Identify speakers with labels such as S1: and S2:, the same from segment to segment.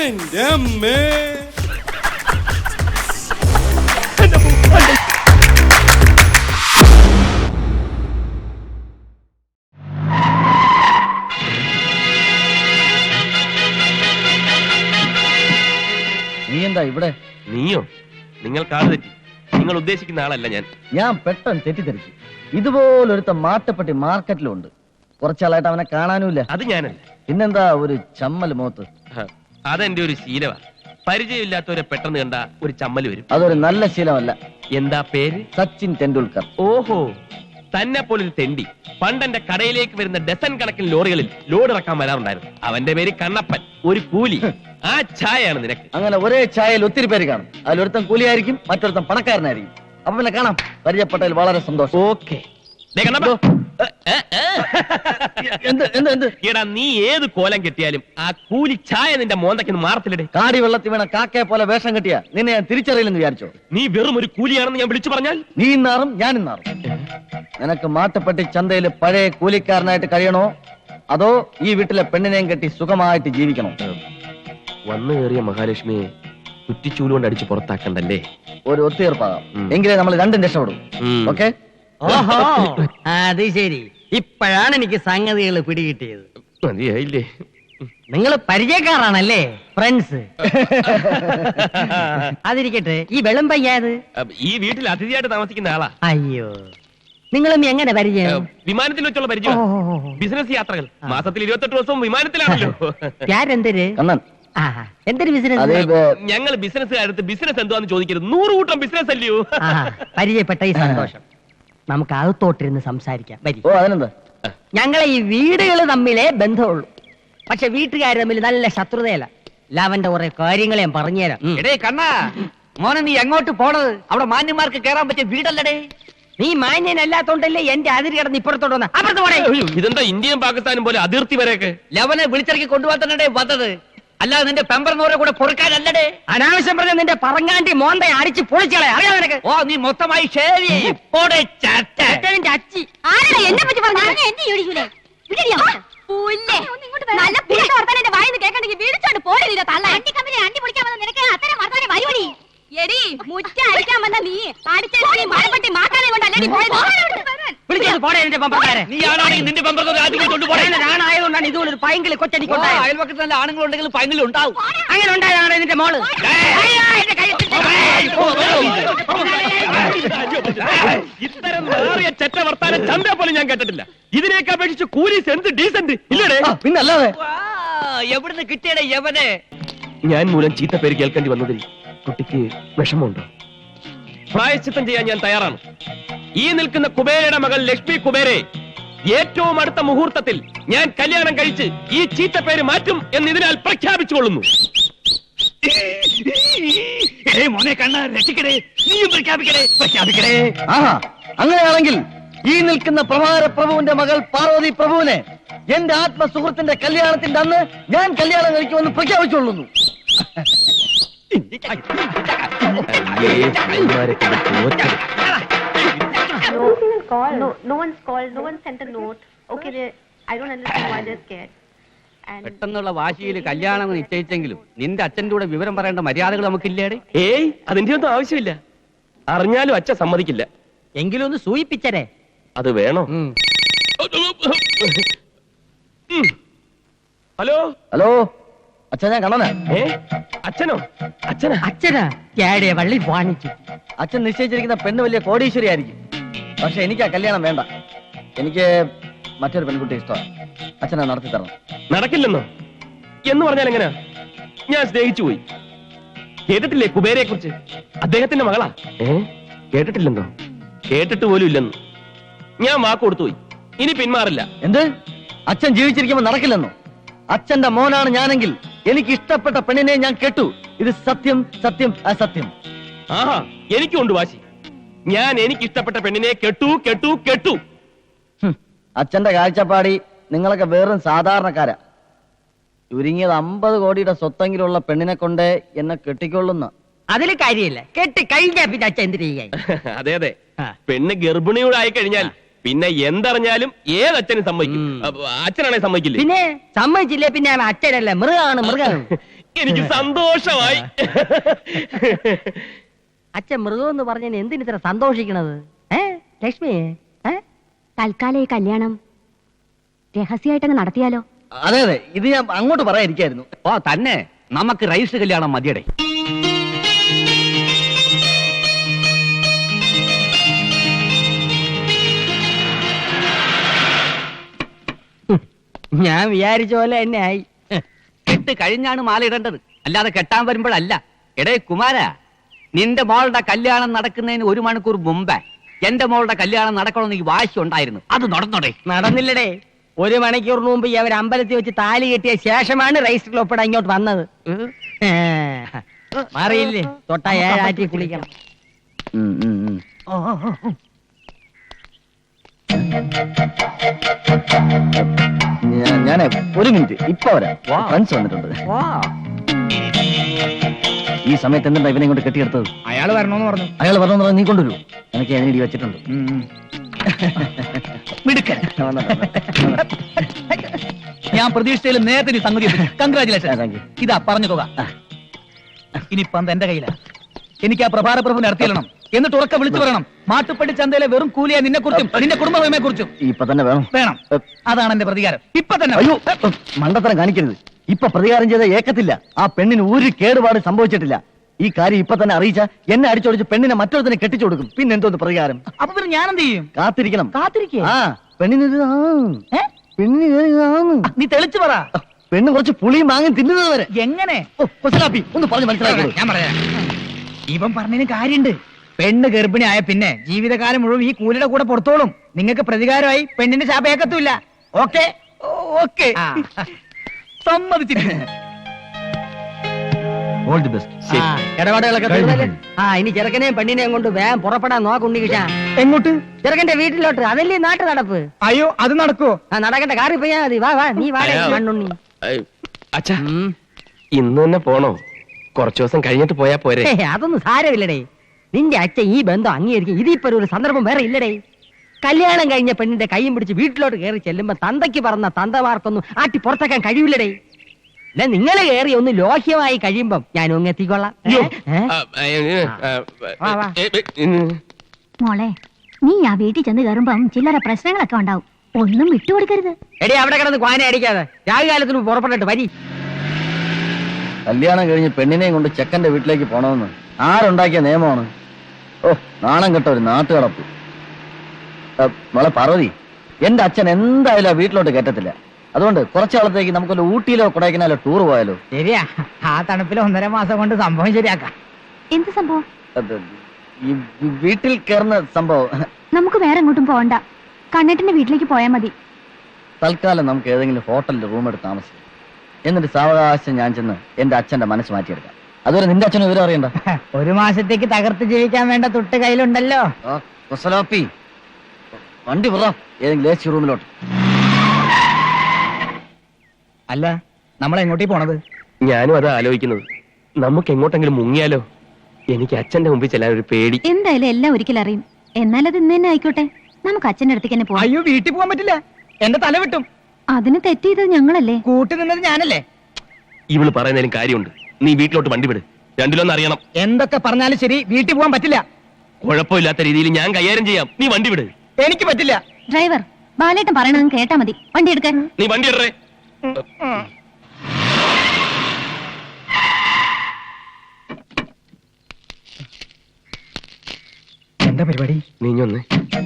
S1: എന്റെ അമ്മേ.
S2: നീ എന്താ ഇവിടെ?
S3: നീയോ? നിങ്ങൾ കാട് തെറ്റി. നിങ്ങൾ ഉദ്ദേശിക്കുന്ന ആളല്ല ഞാൻ.
S2: ഞാൻ പെട്ടെന്ന് തെറ്റിദ്ധരിച്ചു. ഇതുപോലൊരുത്ത മാട്ടപ്പെട്ടി മാർക്കറ്റിലുണ്ട്. കുറച്ചാളായിട്ട് അവനെ കാണാനുമില്ല.
S3: അത് ഞാനല്ല.
S2: പിന്നെന്താ ഒരു ചമ്മൽ മുഖത്ത്?
S3: അതെന്റെ ഒരു ശീലമാ. പരിചയമില്ലാത്തവരെ പെട്ടെന്ന് കണ്ട ഒരു ചമ്മൽ വരും.
S2: അതൊരു നല്ല ശീലമല്ല.
S3: എന്താ പേര്?
S2: സച്ചിൻ ടെണ്ടുൽക്കർ.
S3: ഓഹോ, തന്നെ പോലൊരു തെണ്ടി പണ്ടെന്റെ കടയിലേക്ക് വരുന്ന ഡസൻ കണക്കിന് ലോറികളിൽ ലോഡ് ഇറക്കാൻ വരാറുണ്ടായിരുന്നു. അവന്റെ പേര് കണ്ണപ്പൻ, ഒരു കൂലി. ആ ചായയാണ് നിനക്ക്.
S2: അങ്ങനെ ഒരേ ചായയിൽ ഒത്തിരി പേര് കാണും. അതിലൊരുത്തൻ കൂലിയായിരിക്കും, മറ്റൊരുത്തൻ പണക്കാരനായിരിക്കും. അപ്പൊ പിന്നെ കാണാം. പരിചയപ്പെട്ടതിൽ വളരെ സന്തോഷം.
S3: ഓക്കെ. എടാ, നീ ഏത് കോലം കെട്ടിയാലും ആ കൂലി ചായ നിന്റെ മോന്തയ്ക്ക് മാറത്തില്ലേ?
S2: കാടി വെള്ളത്തിൽ വീണ കാക്കയെ പോലെ വേഷം കെട്ടിയ നിന്നെ ഞാൻ തിരിച്ചറിയില്ലെന്ന് വിചാരിച്ചോ?
S3: നീ വെറും ഒരു കൂലിയാണെന്ന് ഞാൻ വിളിച്ചു പറഞ്ഞാൽ
S2: നീ ഇന്നാറും ഞാൻ ഇന്നാറും. നിനക്ക് മാട്ടപ്പെട്ടി ചന്തയിൽ പഴയ കൂലിക്കാരനായിട്ട് കഴിയണോ, അതോ ഈ വീട്ടിലെ പെണ്ണിനെയും കെട്ടി സുഖമായിട്ട് ജീവിക്കണോ?
S3: വന്നു കയറിയ മഹാലക്ഷ്മിയെ കുറ്റിച്ചൂല് കൊണ്ട് അടിച്ച് പുറത്താക്കണ്ടല്ലേ?
S2: ഒരു ഒത്തുതീർപ്പാകാം. എങ്കിലേ നമ്മൾ രണ്ടും രക്ഷപ്പെടും. ഓക്കെ?
S4: ഓഹോ, അത് ശരി. ഇപ്പോഴാണ് എനിക്ക് സംഗതികൾ പിടികിട്ടിയത്.
S3: മതിയായില്ലേ?
S4: നിങ്ങൾ പരിചയക്കാരാണല്ലേ, ഫ്രണ്ട്സ്? അതിരിക്കട്ടെ, ഈ വെള്ളം പയ്യാത്
S3: ഈ വീട്ടിൽ അതിഥിയായിട്ട് താമസിക്കുന്ന ആളാ.
S4: അയ്യോ, നിങ്ങളും എങ്ങനെ പരിചയം?
S3: വിമാനത്തിൽ വെച്ചുള്ള പരിചയം. ബിസിനസ് യാത്രകൾ. മാസത്തിൽ 28 ദിവസവും വിമാനത്തിലാണല്ലോ.
S4: എന്തൊരു
S2: കണ്ണൻ,
S4: എന്തൊരു ബിസിനസ്?
S3: ഞങ്ങൾ ബിസിനസ്സുകാരത്ത് ബിസിനസ് എന്തുവാന്ന് ചോദിക്കരുത്. 100 കൂട്ടം ബിസിനസ് അല്ലയോ?
S4: പരിചയപ്പെട്ട ഈ സന്തോഷം. നമുക്ക് അകത്തോട്ടിരുന്ന് സംസാരിക്കാം. വരി.
S2: ഓ അതിനെന്താ?
S4: ഞങ്ങളെ ഈ വീടുകൾ തമ്മിലേ ബന്ധമുള്ളൂ. പക്ഷെ വീട്ടുകാർ തമ്മിൽ നല്ല ശത്രുതയല്ല. ലാവന്റെ കുറെ കാര്യങ്ങളെ ഞാൻ പറഞ്ഞുതരാം.
S5: എടേ കണ്ണാ, മോനെ നീ എങ്ങോട്ട് പോണത്? അവിടെ മാന്യന്മാർക്ക് കേറാൻ പറ്റിയ വീടല്ലടേ.
S4: നീ മാന്യനല്ലാത്തോണ്ടല്ലേ എന്റെ അതിര് കിടന്ന് ഇപ്പുറത്തോട്ട് വന്ന. അപ്പുറത്ത് പോടേ.
S3: ഇതെന്താ ഇന്ത്യയും പാകിസ്ഥാനും പോലെ അതിർത്തി വരെയൊക്കെ?
S5: ലവനെ വിളിച്ചിറക്കി കൊണ്ടുപോകാൻ തന്നെ വന്നത്, അല്ലാതെ നിന്റെ പെമ്പറിനോരെ കൂടെ പൊറുക്കാനല്ലടേ.
S4: അനാവശ്യം പറഞ്ഞ നിന്റെ പറങ്ങാണ്ടി മോന്തെ അടിച്ച് പൊളിച്ചളെ. അറിയാം നിനക്ക്?
S5: ഓ, നീ മൊത്തമായി ഷേവ് ചെയ്യും.
S4: അച്ചി
S6: എന്നെ പറ്റി പറഞ്ഞു എന്നെ യോടിക്കൂലേ? നല്ല പുറത്തെ വർത്താനം വായിന്ന് കേൾക്കണ്ടെങ്കിൽ വീടിച്ചോണ്ട് പോരുന്നില്ല. തള്ള അണ്ടി കമ്പനി അണ്ടി പൊളിക്കാൻ വന്ന നിനക്ക് അത്തരം വർത്താനം വരുവടി. എടി മുറ്റ അടിക്കാൻ വന്ന നീ അടിച്ചടി മഴപ്പെട്ടി മാക്കാനെ കൊണ്ടല്ലേ പോയത്?
S4: വിളിച്ചോണ്ട് പോടേ നിന്റെ പമ്പറക്കാരെ.
S5: നീ ആണാണെങ്കിൽ നിന്റെ പെമ്പറൊക്കെ രാജ്യം കൊണ്ടുപോകണേ.
S4: ഞാനായതുകൊണ്ടാണ് ഇതുപോലെ ഒരു പൈങ്കിളി കൊച്ചടിക്കൊണ്ടായ.
S5: അയൽപക്കത്ത് നല്ല ആണുങ്ങളുണ്ടെങ്കിൽ പൈങ്കിലും ഉണ്ടാവും.
S4: അങ്ങനെ ഉണ്ടായതാണ് നിന്റെ മോള്.
S3: ഇത്തരം ചെറ്റ വർത്താനം ചന്ത പോലും ഞാൻ കേട്ടിട്ടില്ല. ഇതിനേക്ക് അപേക്ഷിച്ച് കൂലീസ് എന്ത് ഡീസന്റ് ഇല്ലടേ?
S2: പിന്നല്ലാതെ.
S5: എവിടുന്ന് കിട്ടിയടേ യവനെ?
S3: ഞാൻ മൂലം ചീത്ത പേര് കേൾക്കേണ്ടി വന്നതിൽ കുട്ടിക്ക് വിഷമമുണ്ടോ? പ്രായശ്ചിത്തം ചെയ്യാൻ ഞാൻ തയ്യാറാണ്. ഈ നിൽക്കുന്ന കുബേരയുടെ മകൾ ലക്ഷ്മി കുബേരെ ഏറ്റവും അടുത്ത മുഹൂർത്തത്തിൽ ഞാൻ കല്യാണം കഴിച്ച് ഈ ചീത്ത പേര് മാറ്റും എന്ന് ഇതിനാൽ പ്രഖ്യാപിച്ചുകൊള്ളുന്നു.
S5: മോനെ കണ്ണ രക്ഷിക്കടേ, നീയും പ്രഖ്യാപിക്കടേ, പ്രഖ്യാപിക്കടേ.
S2: ആഹാ, അങ്ങനെയാണെങ്കിൽ ഈ നിൽക്കുന്ന പ്രഭാര പ്രഭുവിന്റെ മകൾ പാർവതി പ്രഭുവിനെ എന്റെ ആത്മസുഹൃത്തിന്റെ കല്യാണത്തിന്റെ അന്ന് ഞാൻ കല്യാണം കഴിക്കുമെന്ന് പ്രഖ്യാപിച്ചുകൊള്ളുന്നു.
S6: No one's called. No one sent a note. Okay, I don't understand why they're scared.
S5: പെട്ടെന്നുള്ള വാശിയിൽ കല്യാണം നിശ്ചയിച്ചെങ്കിലും നിന്റെ അച്ഛൻ്റെ കൂടെ വിവരം പറയേണ്ട മര്യാദകൾ നമുക്കില്ലേടെ?
S3: ഏയ്, അതിന്റെ ഒന്നും ആവശ്യമില്ല. അറിഞ്ഞാലും അച്ഛൻ സമ്മതിക്കില്ല.
S4: എങ്കിലും ഒന്ന് സൂയിപ്പിച്ചരേ.
S3: അത് വേണോ? ഹലോ
S2: ഹലോ, അച്ഛൻ ഞാൻ കണ്ണനാ.
S3: അച്ഛനോ? അച്ഛനാ?
S4: അച്ഛനാ? കേടിയ വള്ളി വാണിച്ചു.
S2: അച്ഛൻ നിശ്ചയിച്ചിരിക്കുന്ന പെണ്ണ് വലിയ കോടീശ്വരി ആയിരിക്കും. പക്ഷെ എനിക്ക് ആ കല്യാണം വേണ്ട. എനിക്ക് മറ്റൊരു പെൺകുട്ടി ഇഷ്ടമാണ്. അച്ഛനെ നടത്തി തരണം.
S3: നടക്കില്ലെന്നോ? എന്ന് പറഞ്ഞാൽ എങ്ങനെയാ? ഞാൻ സ്നേഹിച്ചു പോയി. കേട്ടിട്ടില്ലേ കുബേരയെ കുറിച്ച്? അദ്ദേഹത്തിന്റെ മകളാ. കേട്ടിട്ടില്ലെന്നോ? കേട്ടിട്ട് പോലും ഇല്ലെന്ന്. ഞാൻ വാക്ക് കൊടുത്തു പോയി. ഇനി പിന്മാറില്ല.
S2: എന്ത്? അച്ഛൻ ജീവിച്ചിരിക്കുമ്പോ നടക്കില്ലെന്നോ? അച്ഛന്റെ മോനാണ് ഞാനെങ്കിൽ എനിക്ക് ഇഷ്ടപ്പെട്ട പെണ്ണിനെ ഞാൻ കേട്ടു. ഇത് സത്യം, സത്യം, അസത്യം.
S3: ആഹാ, എനിക്കുണ്ട് വാശി. ഞാൻ എനിക്ക് ഇഷ്ടപ്പെട്ട പെണ്ണിനെ കെട്ടു കെട്ടു കെട്ടു.
S2: അച്ഛന്റെ കാഴ്ചപ്പാടി നിങ്ങളൊക്കെ വെറും സാധാരണക്കാരാ. ചുരുങ്ങിയത് 50 കോടിയുടെ സ്വത്തെങ്കിലുള്ള പെണ്ണിനെ കൊണ്ട് എന്നെ കെട്ടിക്കൊള്ളുന്ന.
S4: അതിൽ കാര്യമില്ല. കെട്ടി കഴിഞ്ഞാ പിന്നെ അച്ഛൻ എന്തിനു ചെയ്യാൻ?
S3: അതെ അതെ, പെണ്ണ് ഗർഭിണിയോട് ആയി കഴിഞ്ഞാൽ പിന്നെ എന്തറിഞ്ഞാലും ഏതച്ഛനും സമ്മതിക്കും. അച്ഛനാണെ സമ്മതിക്കില്ല.
S4: പിന്നെ സമ്മതിച്ചില്ലേ പിന്നെ അച്ഛനല്ല, മൃഗമാണ് മൃഗം.
S3: എനിക്ക് സന്തോഷമായി.
S4: അച്ഛൻ മൃഗം എന്ന് പറഞ്ഞതിന് എന്തിന് ഇത്ര സന്തോഷിക്കണത്? ലക്ഷ്മി,
S6: തൽക്കാലം ഈ കല്യാണം രഹസ്യമായിട്ടങ്ങ് നടത്തിയാലോ?
S2: അതെ അതെ, ഇത് ഞാൻ അങ്ങോട്ട് പറയാതിരിക്കായിരുന്നു.
S5: ഓ തന്നെ, നമുക്ക് രജിസ്റ്റർ കല്യാണം മതിയടേ.
S4: ഞാൻ വിചാരിച്ച പോലെ തന്നെ ആയി.
S5: കെട്ട് കഴിഞ്ഞാണ് മാല ഇടേണ്ടത്, അല്ലാതെ കെട്ടാൻ വരുമ്പോഴല്ല. എടേ കുമാര, നിന്റെ മോളുടെ കല്യാണം നടക്കുന്നതിന് 1 മണിക്കൂർ മുമ്പേ എന്റെ മോളുടെ കല്യാണം നടക്കണമെന്ന് ഈ വാശി ഉണ്ടായിരുന്നു. അത് നടന്നോടെ?
S4: നടന്നില്ലടേ. 1 മണിക്കൂറിന് മുമ്പ് അവർ അമ്പലത്തിൽ വെച്ച് താലി കെട്ടിയ ശേഷമാണ് രജിസ്റ്ററിൽ ഒപ്പിടാൻ ഇങ്ങോട്ട് വന്നത്. മാറിയില്ലേ? തൊട്ടാ 7 ആറ്റി കുളിക്കണം.
S2: ഞാനേ 1 മിനിറ്റ് ഇപ്പൊ വരാം. ഫ്രണ്ട്സ് വന്നിട്ടുണ്ട്. ഈ സമയത്ത് എന്തുണ്ടാ ഇവനെ കൊണ്ട് കെട്ടിയെടുത്തത്?
S1: അയാൾ വരണോന്ന് പറഞ്ഞു.
S2: അയാൾ പറഞ്ഞു നീ കൊണ്ടുവരൂ, എനിക്ക് അതിനിടി വെച്ചിട്ടുണ്ട്.
S1: മിടുക്കൻ. ഞാൻ പ്രതീക്ഷിച്ചതിൽ നേരത്തെ സംഗതി. കൺഗ്രാചുലേഷൻ. ഇതാ പറഞ്ഞു തുക. ഇനിയിപ്പം എന്റെ കയ്യിലാ. എനിക്ക് ആ പ്രഭാര പ്രഭുവിനെ നടത്തിയിടണം, എന്നിട്ട് ഉറക്കെ വിളിച്ചു പറയണം, മാട്ടുപ്പള്ളി ചന്തയിലെ വെറും കൂലിയ നിന്നെ കുറിച്ചും നിന്റെ കുടുംബമെ കുറിച്ചും.
S2: ഇപ്പൊ തന്നെ വേണം.
S1: അതാണ് എന്റെ പ്രതികാരം. ഇപ്പൊ തന്നെ.
S2: അയ്യോ, മണ്ടത്തരം കാണിക്കരുത്. ഇപ്പൊ പ്രതികാരം ചെയ്ത ഏക്കത്തില്ല. ആ പെണ്ണിന് ഒരു കേടുപാട് സംഭവിച്ചിട്ടില്ല. ഈ കാര്യം ഇപ്പൊ തന്നെ അറിയിച്ച എന്നെ അടിച്ചോടിച്ച് പെണ്ണിനെ മറ്റൊരുത്തനെ കെട്ടിച്ചു കൊടുക്കും. പിന്നെ എന്തോന്ന് പ്രതികാരം?
S1: അപ്പൊ പിന്നെ ഞാൻ എന്ത് ചെയ്യും?
S2: കാത്തിരിക്കണം.
S4: കാത്തിരിക്കേ?
S2: ആ പെണ്ണിന്
S1: നീ തെളിച്ചു പറ.
S2: പെണ്ണ് കുറച്ച് പുളിയും മാങ്ങും തിന്നുന്നത് വരെ.
S1: എങ്ങനെ?
S2: ഒന്ന് പറഞ്ഞു മനസ്സിലാക്കൂ.
S1: ഞാൻ പറയാം. ഇവൻ പറഞ്ഞതിന് കാര്യണ്ട്. പെണ്ണ് ഗർഭിണി ആയ പിന്നെ ജീവിതകാലം മുഴുവൻ ഈ കൂലിയുടെ കൂടെ പുറത്തോളും. നിങ്ങൾക്ക് പ്രതികാരമായി പെണ്ണിന്റെ ശാപേക്കത്തുമില്ല. ഓക്കെ ഓക്കെ, സമ്മതിച്ചിരിക്കുന്നു.
S2: All the best.
S4: ഇടപാടുകളൊക്കെ തീർന്നല്ലേ? ഇനി ചെറുക്കനെയും പെണ്ണിനെയും കൊണ്ട് വേഗം പുറപ്പെടാൻ നോക്കുണ്ണിക്കിട്ടാ.
S1: എങ്ങോട്ട്?
S4: ചെറുക്കന്റെ വീട്ടിലോട്ട്. അതല്ലേ നാട്ടു നടപ്പ്.
S1: അയ്യോ, അത് നടക്കോ?
S4: നടക്കട്ടെ, കാറി പോയാ മതി. വാ വാ, നീ വാടേ മണ്ണുണ്ണി.
S3: അച്ഛാ, ഇന്ന് തന്നെ പോണോ? കുറച്ചു ദിവസം കഴിഞ്ഞിട്ട് പോയാ പോരെ?
S4: അതൊന്നും സാരമില്ലടേ. നിന്റെ അച്ഛൻ ഈ ബന്ധം അംഗീകരിക്കും. ഇതിപ്പോ ഒരു സന്ദർഭം വേറെ ഇല്ലടേ. കല്യാണം കഴിഞ്ഞ പെണ്ണിന്റെ കൈയും പിടിച്ച് വീട്ടിലോട്ട് കയറി ചെല്ലുമ്പോ തന്തയ്ക്ക് പറഞ്ഞ തന്തമാർക്കൊന്നും ആട്ടി പുറത്താക്കാൻ കഴിയില്ലടേ. അല്ല, നിങ്ങൾ കയറി ഒന്ന് ലോഹ്യമായി കഴിയുമ്പം ഞാൻ ഒന്ന് എത്തിക്കൊള്ളാം.
S6: മോളെ, നീ ആ വീട്ടിൽ ചെന്ന് കയറുമ്പം ചില്ലറ പ്രശ്നങ്ങളൊക്കെ ഉണ്ടാവും. ഒന്നും വിട്ടുകൊടുക്കരുത്.
S4: എടേ, അവിടെ കിടന്ന് ക്വാന അടിക്കാതെ രാവികാലത്തിന് പുറപ്പെട്ടിട്ട് വരി.
S2: കല്യാണം കഴിഞ്ഞ് പെണ്ണിനെയും കൊണ്ട് ചെക്കന്റെ വീട്ടിലേക്ക് പോണമെന്ന് ആരുണ്ടാക്കിയ നിയമമാണ്? ഓ, നാണം കെട്ട ഒരു നാട്ടുകടപ്പ്. മോളെ പാർവതി, എന്റെ അച്ഛൻ എന്തായാലും ആ വീട്ടിലോട്ട് കയറ്റത്തില്ല. അതുകൊണ്ട് കുറച്ചു കാലത്തേക്ക് നമുക്കൊരു ഊട്ടിയിലോ കൊടൈക്കനാലോ ടൂർ പോയാലോ?
S1: ശരിയാ, ആ തണുപ്പിൽ 1.5 മാസം കൊണ്ട് സംഭവം ശരിയാക്കാം.
S6: എന്ത് സംഭവം?
S2: ഈ വീട്ടിൽ കയറുന്ന സംഭവം.
S6: നമുക്ക് വേറെ എങ്ങോട്ടും പോകണ്ട, കണ്ണേട്ടന്റെ വീട്ടിലേക്ക് പോയാൽ മതി.
S2: തൽക്കാലം നമുക്ക് ഏതെങ്കിലും ഹോട്ടലിൽ റൂം എടുത്ത് താമസിക്കാം. എന്നിട്ട് സാവകാശം ഞാൻ ചെന്ന് എന്റെ അച്ഛന്റെ മനസ്സ് മാറ്റിയെടുക്കാം. അതുവരെ നിന്റെ അച്ഛനും വിവരം അറിയണ്ട.
S1: 1 മാസത്തേക്ക് തകർത്ത് ജീവിക്കാൻ വേണ്ട തൊട്ട് കയ്യിലുണ്ടല്ലോ.
S2: കുസലാപ്പി, വണ്ടി വിറ ഏതെങ്കിലും AC റൂമിലോട്ട്.
S1: അല്ല, നമ്മൾ എങ്ങോട്ടേ പോണത്?
S3: ഞാനും അത് ആലോചിക്കുന്നത്. നമുക്ക് എങ്ങോട്ടെങ്കിലും മുങ്ങിയാലോ? എനിക്ക് അച്ഛന്റെ മുമ്പിൽ ചെല്ലാൻ ഒരു പേടി.
S6: എന്തായാലും എല്ലാം ഒരിക്കലും അറിയും. എന്നാൽ അത് ഇന്ന് തന്നെ ആയിക്കോട്ടെ. നമുക്ക് അച്ഛന്റെ അടുത്തേക്ക് തന്നെ പോവാം.
S1: അയ്യോ, വീട്ടിൽ പോകാൻ പറ്റില്ല. എന്റെ തല വിട്ടും.
S6: അതിന് തെറ്റ് ചെയ്തത് ഞങ്ങളല്ലേ?
S1: കൂട്ടി നിന്നത് ഞാനല്ലേ?
S3: ഇവള് പറയുന്നതിലും കാര്യമുണ്ട്. നീ വീട്ടിലോട്ട് വണ്ടി വിട്. രണ്ടിലൊന്നും അറിയണം.
S1: എന്തൊക്കെ പറഞ്ഞാലും ശരി, വീട്ടിൽ പോകാൻ പറ്റില്ല.
S3: കുഴപ്പമില്ലാത്ത രീതിയിൽ ഞാൻ കൈകാര്യം ചെയ്യാം. നീ വണ്ടി വിട്.
S1: എനിക്ക് പറ്റില്ല.
S6: ഡ്രൈവർ, ബാലേട്ടൻ പറയണത് കേട്ടാ മതി. വണ്ടി എടുക്കാൻ.
S3: നീ വണ്ടി ഇടറേ.
S1: എന്താ പരിപാടി?
S3: നീഞ്ഞൊന്ന്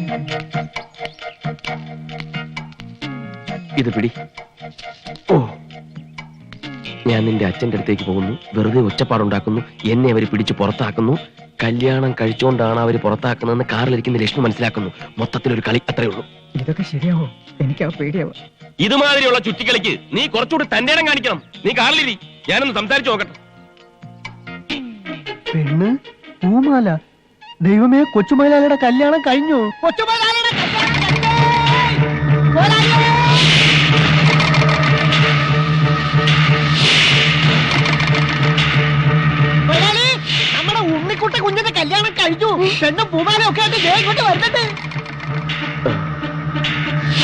S3: ഇത് പിടി. ഓ, ഞാൻ നിന്റെ അച്ഛന്റെ അടുത്തേക്ക് പോകുന്നു. വെറുതെ ഒച്ചപ്പാടുണ്ടാക്കുന്നു. എന്നെ അവര് പിടിച്ച് പുറത്താക്കുന്നു. കല്യാണം കഴിച്ചുകൊണ്ടാണ് അവര് പുറത്താക്കുന്നതെന്ന് കാറിലിരിക്കുന്ന ലക്ഷ്മി മനസ്സിലാക്കുന്നു. മൊത്തത്തിലൊരു കളി, അത്രേ ഉള്ളൂ.
S1: ഇതൊക്കെ ശരിയാവോ? എനിക്ക് പേടിയാവോ?
S3: ഇതുമാതിരിയുള്ള ചുറ്റിക്കളിക്ക് നീ കുറച്ചുകൂടി തന്റെ ഇടം കാണിക്കണം. നീ കാറിലിരി, ഞാനൊന്ന് സംസാരിച്ചു നോക്കട്ടെ.
S2: പെണ്ണ് പൂമാല. ദൈവമേ, കൊച്ചുമൈലാലിയുടെ കല്യാണം കഴിഞ്ഞു.
S4: നമ്മുടെ ഉണ്ണിക്കുട്ട കുഞ്ഞിന്റെ കല്യാണം കഴിഞ്ഞു. പെണ്ണും പൂമാലയൊക്കെ ആയിട്ട് ഇങ്ങോട്ട് വരുന്നുണ്ട്.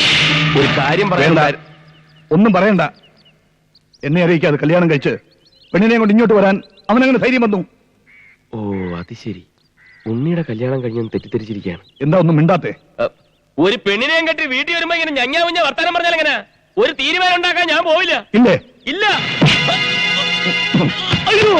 S3: ഒരു കാര്യം പറയണ്ട.
S7: ഒന്നും പറയണ്ട. എന്നെ അറിയിക്കാതെ കല്യാണം കഴിച്ച് പെണ്ണിനെ കൊണ്ട് ഇങ്ങോട്ട് വരാൻ അവനങ്ങനെ ധൈര്യം വന്നു?
S3: ഓ അത് ശരി, ഉണ്ണിയുടെ കല്യാണം കഴിഞ്ഞെന്ന് തെറ്റിദ്ധരിച്ചിരിക്കുകയാണ്.
S7: എന്താ ഒന്നും മിണ്ടാത്തെ?
S3: ഒരു പെണ്ണിനെയും കെട്ടി വീട്ടിൽ വരുമ്പോ ഇങ്ങനെ ഞഞ്ഞാ വർത്താനം പറഞ്ഞാൽ എങ്ങനെ? ഒരു തീരുമാനം ഉണ്ടാക്കാൻ ഞാൻ പോവില്ല.
S7: ഇല്ലേ?
S3: ഇല്ല.
S7: അയ്യോ,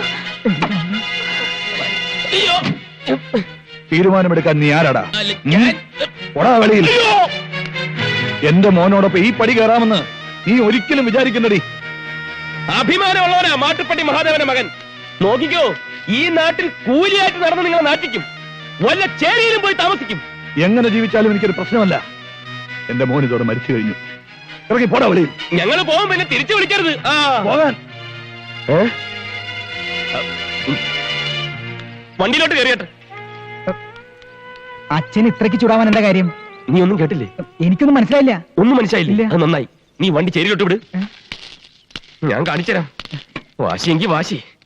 S3: അയ്യോ.
S7: തീരുമാനമെടുക്കാൻ നീ ആരാടാ?
S3: അല്ല, ഞാൻ-
S7: ഒടാ വെളിയിൽ.
S3: അയ്യോ.
S7: എന്റെ മോനോടൊപ്പം ഈ പടി കയറാമെന്ന് നീ ഒരിക്കലും വിചാരിക്കുന്നടി.
S3: അഭിമാനമുള്ളവനാ മാട്ടുപ്പെട്ടി മഹാദേവന്റെ മകൻ. നോക്കിക്കോ, ഈ നാട്ടിൽ കൂലിയായിട്ട് നടന്ന് നിങ്ങളെ നാട്ടിക്കും. വല്ല ചേരിയിലും പോയി താമസിക്കും.
S7: എങ്ങനെ ജീവിച്ചാലും എനിക്കൊരു പ്രശ്നമല്ല. എന്റെ മോൻ ഇതോടെ മരിച്ചു കഴിഞ്ഞു. ഇറങ്ങി പോടാ വെളിയിൽ.
S3: ഞങ്ങൾ പോകും, പിന്നെ തിരിച്ചു വിളിക്കരുത്. ആ
S7: പോകാൻ.
S3: വണ്ടിയിലോട്ട് കയറിയട്ടെ.
S1: അച്ഛൻ ഇത്രയ്ക്ക് ചൂടാവാൻ എന്താ കാര്യം?
S3: നീ ഒന്നും കേട്ടില്ലേ?
S1: എനിക്കൊന്നും മനസ്സിലായില്ല.
S3: ഒന്നും മനസ്സിലായില്ലേ?
S1: ഇല്ല.
S3: അത് നന്നായി. നീ വണ്ടി ചേരിയിലോട്ട് വിട്, ഞാൻ കാണിച്ചുതരാം. വാശിയെങ്കി വാശി.